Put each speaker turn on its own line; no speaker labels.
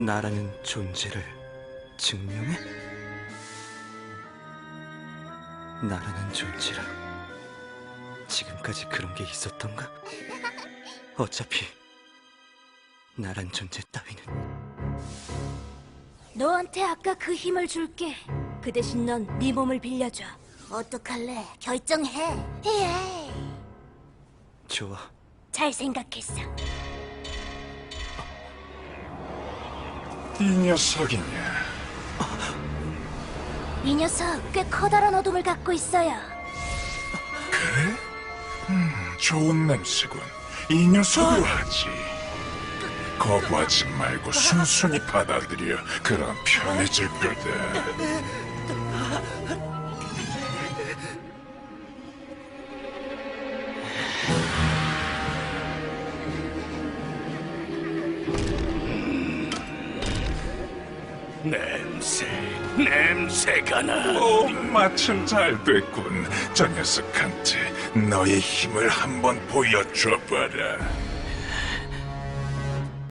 나라는 존재를 증명해? 나라는 존재라. 지금까지 그런 게 있었던가? 어차피 나란 존재 따위는.
너한테 아까 그 힘을 줄게. 그 대신 넌 네 몸을 빌려줘. 어떡할래? 결정해. 예.
좋아.
잘 생각했어.
이 녀석이냐?
이 녀석 꽤 커다란 어둠을 갖고 있어요.
그래? 좋은 냄새군. 이 녀석으로 하지. 거부하지 말고 순순히 받아들여. 그럼 편해질 거다.
냄새가 나.
오, 마침 잘 됐군. 저 녀석한테 너의 힘을 한번 보여줘봐라.